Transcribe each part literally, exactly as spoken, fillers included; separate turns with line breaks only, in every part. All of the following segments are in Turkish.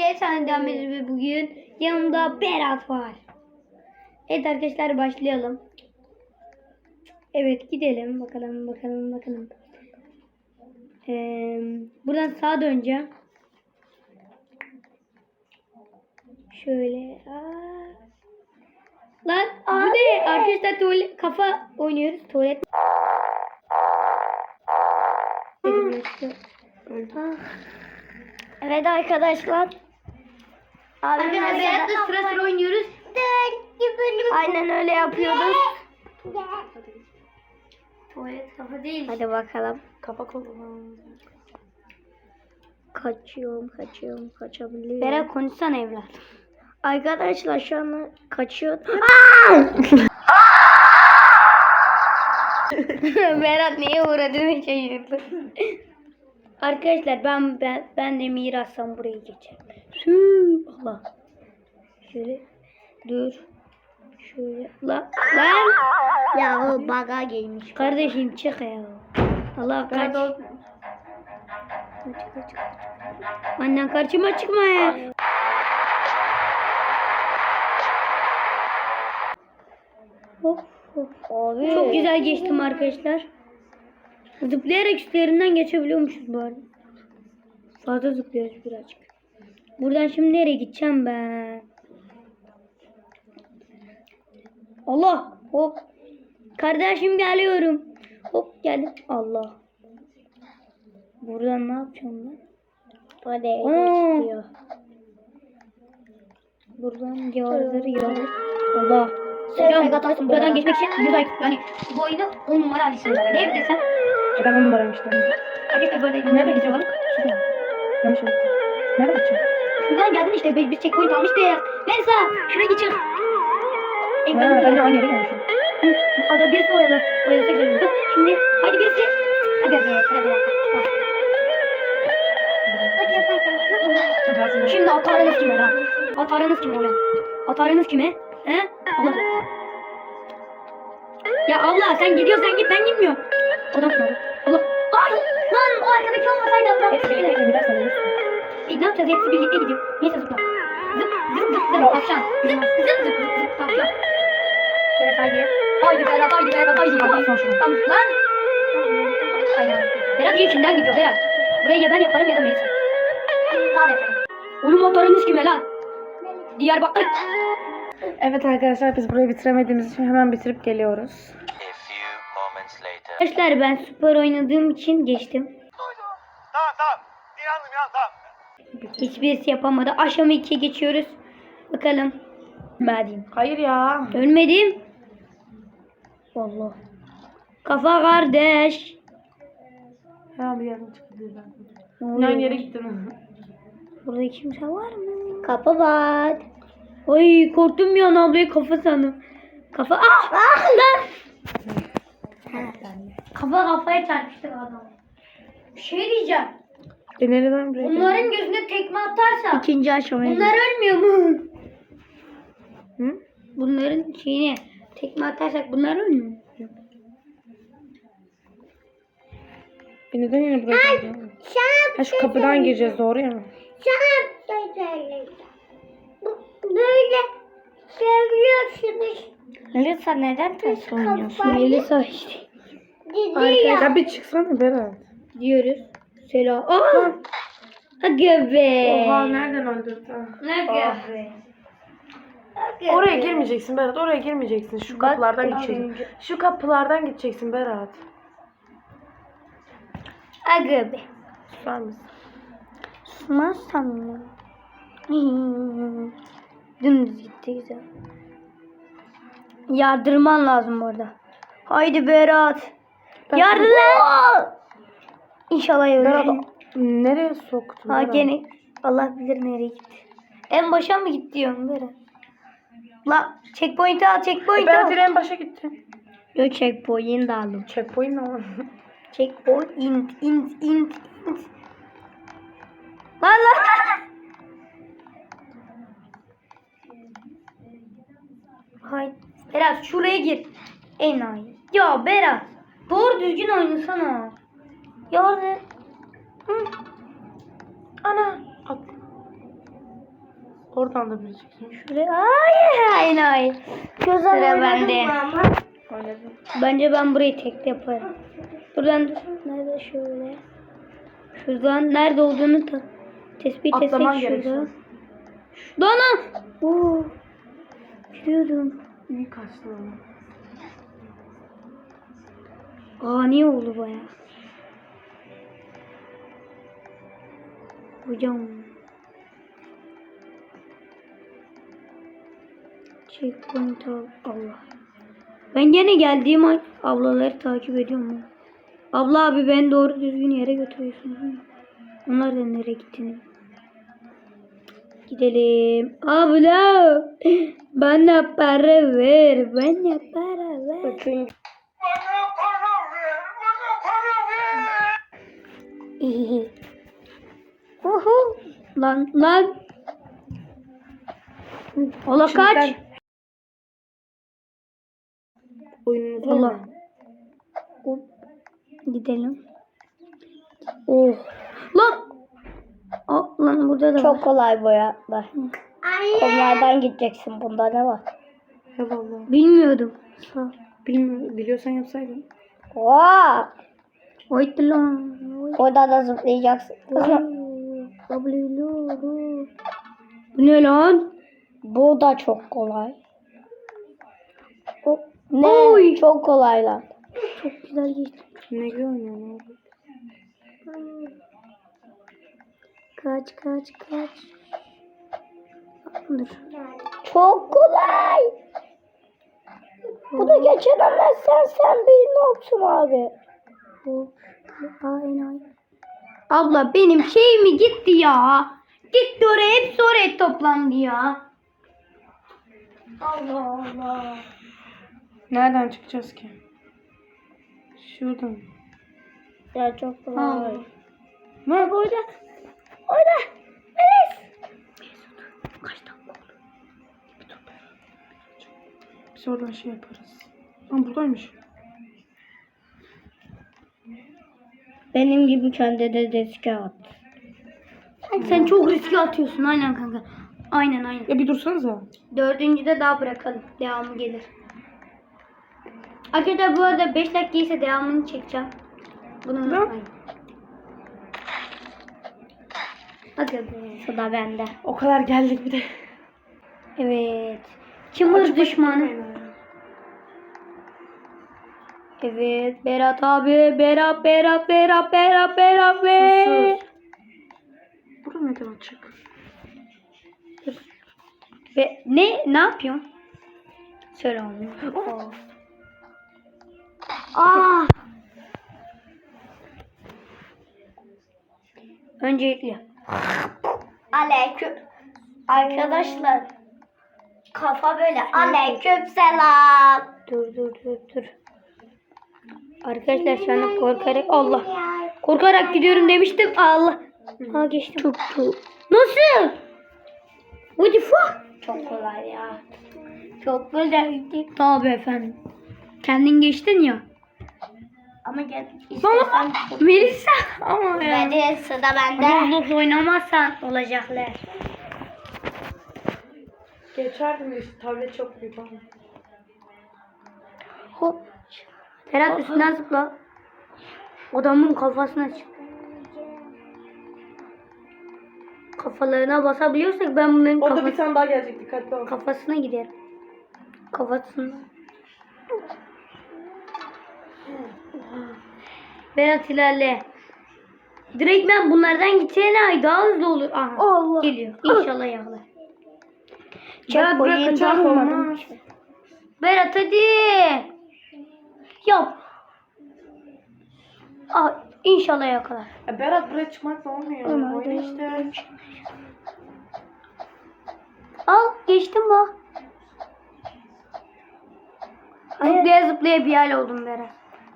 Sen devam ediyoruz ve bugün yanımda Berat var. Evet arkadaşlar başlayalım. Evet gidelim bakalım bakalım bakalım. Ee, buradan sağa döneceğim. Şöyle. Aa. Lan bu ne? Arkadaşlar tuvalet kafa oynuyoruz. Tuvalet. Evet arkadaşlar. Abimle Berat'la sıra sıra oynuyoruz. Aynen öyle yapıyoruz. Tuvalet kafa değil. Hadi bakalım.
Kapak olalım.
Kaçıyorum, kaçıyorum, kaçabiliyorum. Berat konuşsana evlat. Arkadaşlar şu an kaçıyor. Berat neye uğradığını şaşırdı. Arkadaşlar ben ben ben de mirastan burayı geçerim. Allah. Şöyle dur. Şöyle lan lan. Ya o baga gelmiş. Kardeşim çık ya. Allah kaç. Kaç kaç kaç. Annen karşıma çıkma ya. Hop hop. Abi. Çok güzel geçtim arkadaşlar. Zıplayarak üstlerinden geçebiliyormuşuz bu arada. Fazla zıplıyoruz birazcık. Buradan şimdi nereye gideceğim ben? Allah! Hop! Kardeşim geliyorum. Hop geldim. Allah! Buradan ne yapacağım ben? Hadi çıkıyor. Buradan yağları yağır. Allah! Selam. Buradan geçmek için güzel. Yani bu oyunu on numara alışıyorum. Ne desem?
Ben on numaraymıştım.
Arkadaşlar böyle
Nerede gidiyor balık? Şurada. Yanlış oldu. Nerede gideceğim?
şuradan geldin işte. Biz, biz checkpoint almıştık. Neyse şuraya geçelim.
Ha, ben de aynı yere gelmişim.
Ada birisi oyalı. Oyalasak güzel. Şimdi hadi birisi. Hadi be sıra bir dakika. Şimdi atarınız kime lan? Atarınız kime ulan? Atarınız kime? He? Allah. Ya Allah sen gidiyorsan git ben gitmiyorum. Adam sonra. Allah. Ay lan o arkadaki olmasaydı adam.
Hepsi birlikte gidersen ölürsün.
E, ne yapacağız? Hepsi birlikte gidiyor. Neyse zıpla. Zıp zıp zıp zıp tavşan. Zıp zıp zıp zıp tavşan. Berat haydi. Haydi Berat haydi Berat haydi.
Hadi son şunu.
Tamam lan. Aynen. Berat içinden gidiyor Berat. Buraya ya ben yaparım ya da Melisa. Tamam efendim. Oğlum motorunuz kime lan? Diyarbakır.
Evet arkadaşlar biz burayı bitiremediğimiz için hemen bitirip geliyoruz.
Arkadaşlar ben süper oynadığım için geçtim.
Tamam tamam. İnandım ya tamam.
Hiçbirisi yapamadı. Aşama ikiye geçiyoruz. Bakalım. Madem.
Hayır ya.
Ölmedim. Allah. Kafa kardeş.
Hemen bir yerden çıktı ben.
Ne oluyor?
Aynı yere gittin.
Burada kimse var mı? Kapı var. Ay korktum ya ablayı kafa sandım. Kafa ah! Ah lan! Kafa kafaya çarpıştı adam. Bir şey diyeceğim.
E nereden buraya?
Bunların gözüne tekme atarsa
İkinci aşamaya.
bunlar ölmüyor mu?
Hı?
Bunların şeyine tekme atarsak bunlar ölmüyor mu?
E neden yine buraya geldin? Ha şu kapıdan gireceğiz doğru ya.
Sana bir şey söyleyeceğim. Bu- Böyle söylüyorsunuz.
Melisa neden ters oynuyorsun?
kafayı-
Melisa işte.
Dedi ya.
Ya bir çıksana Berat.
Diyoruz. Selam. Aa! Aga be.
Oha nereden öldürdü?
Aga be. Aga
Oraya
be.
girmeyeceksin Berat. Oraya girmeyeceksin. Şu
Bak,
kapılardan
az
gideceksin.
önce-
Şu kapılardan gideceksin Berat.
Aga be.
Susar mısın?
Susmazsam ya. Dümdüz gitti güzel. Yardırman lazım orada. Haydi Berat.
Ben-
Yardım. İnşallah
Berat
ölür.
nereye soktun?
Ha
Berat?
gene Allah bilir nereye gitti. En başa mı gitti diyorum Berat? La checkpoint'i al checkpoint'i
Berat
al.
yine en başa gitti.
Yo checkpoint'i aldım.
Checkpoint ne var?
Checkpoint int int int int. Lan lan. Hayır. Berat şuraya gir. Enayi. Ya Berat. Doğru düzgün oynasana. Ya orada. Hı.
Ana. At. Oradan da bileceksin.
Şuraya. Ay hayır hayır. Sıra bende.
Oynadım.
Bence ben burayı tek yaparım. Buradan nerede şöyle. Şuradan nerede olduğunu ta tespit
Atlaman
etsek şurada.
gerekiyor.
Dona. Oo. Biliyordum.
İyi kaçtı ama.
Ani oldu baya. Hocam. Checkpoint al. Allah. Ben gene geldiğim an ablaları takip ediyorum. Abla abi ben doğru düzgün yere götürüyorsun. Onlar da nereye gittiğini. Gidelim. Abla. Bana para ver. Bana para ver.
Üçüncü.
Bana para ver, bana para ver.
Uhu. Lan lan. Ola kaç.
Şimdiden- Oyununuz
Allah.
var mı?
Hop. Gidelim. Oh. Lan. Aa, lan burada da
Çok
var.
kolay bu ya. Bak. Onlardan gideceksin. Bunda ne var?
Eyvallah.
Bilmiyordum. Sağ.
Bilmiyorum. Biliyorsan yapsaydın.
Vaa!
Oydu lan. Oy.
Burada da zıplayacaksın.
Ablelo. Bu ne lan?
Bu da çok kolay.
O,
Ne?
Oy.
Çok kolay lan.
çok güzel geçti.
Ne güzel oynuyorsun abi.
Kaç kaç kaç. Dur.
Çok kolay. Bu da geçememezsen sen bir noksun abi.
Hop. Aa, enayi. Abla benim şey mi gitti ya? Gitti oraya, hepsi oraya toplandı ya. Allah Allah.
Nereden çıkacağız ki? Şuradan.
Ya çok
Ha.
kolay.
Ne?
Orada. Orada. Melis. Kaç dakika oldu?
Biz oradan şey yaparız. Ama buradaymış.
Benim gibi kendi de riske at.
Sen çok riske atıyorsun aynen kanka. Aynen aynen.
Ya bir dursanıza.
Dördüncüde daha bırakalım. Devamı gelir. Arkadaşlar bu arada beş dakika ise devamını çekeceğim. Bunu unutmayın. Hadi be.
Sıra bende.
O kadar geldik bir de.
Evet. Çımır düşmanı. Evet. Berat abi. Berat, Berat, Berat, Berat, Berat be.
Sus. Burada neden açık?
Be ne? Ne yapıyorsun? Söyle onu. Aa. Öncelikle.
Aleyküm. Arkadaşlar. Kafa böyle. Aleyküm selam.
Dur dur dur dur. Arkadaşlar şu anda korkarak Allah. Korkarak gidiyorum demiştim. Allah. Ha geçtim. Çok çok. Nasıl? What the fuck?
Çok kolay ya.
Çok güzel. Tabii efendim. Kendin geçtin ya.
Ama gel.
Baba. Melisa. Ama ya.
Hadi sıra bende.
Roblox oynamazsan olacaklar.
Geçerdim de işte tablet çok büyük ama.
Hop. Ferhat üstünden zıpla. Adamın kafasına çık. Kafalarına basabiliyorsak ben bunların
Orada bir
kafası,
tane daha gelecek, dikkatli ol.
kafasına giderim. Kafasına. Berat ilerle. Direkt ben bunlardan gideceğine ay daha hızlı olur. Aha,
Allah.
geliyor. İnşallah yağlar.
Berat bırak kaçar olmaz.
Berat hadi. Yap. Aa, inşallah yakalar.
Ya Berat buraya çıkmakla olmuyor.
Ama
Oyna
hadi.
işte.
Al geçtim bak. Zıplaya zıplaya bir hal oldum Berat.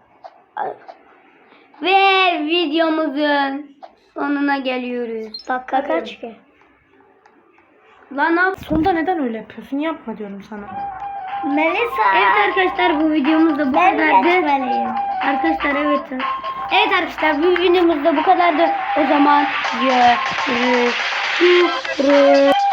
Ve videomuzun sonuna geliyoruz.
Dakika kaç ki?
Lan ne yap?
Sonunda neden öyle yapıyorsun? Yapma diyorum sana.
Melisa.
Evet arkadaşlar bu videomuz da bu
Ben
kadardı.
geçmeliyim.
Arkadaşlar evet. Evet arkadaşlar bu videomuz da bu kadardı. O zaman görüşürüz.